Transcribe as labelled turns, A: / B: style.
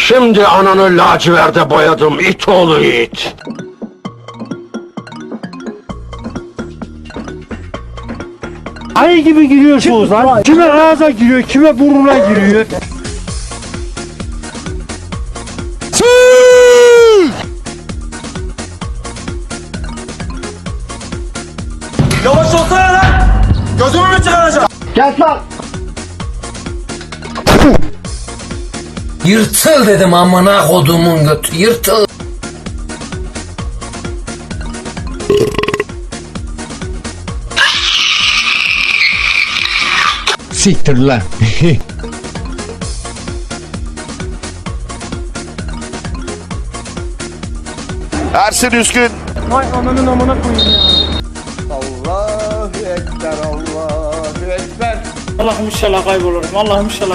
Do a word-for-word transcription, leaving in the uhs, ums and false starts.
A: Şimdi ananı laciverde boyadım it oğlu it.
B: Ayı gibi giriyorsunuz lan. Kime ağza giriyor, kime burnuna giriyor.
C: Yavaş olsana lan! Gözümü mü çıkaracağım?
B: Gel lan.
D: Yırtıl dedim amına kodumun götü, yırtıl.
B: Siktir lan.
E: Ersin Üskün.
B: Vay ananın amına koyayım ya.
C: Allahu Ekber, Allahu Ekber.
B: Allah'ım inşallah kaybolurum. Allah'ım inşallah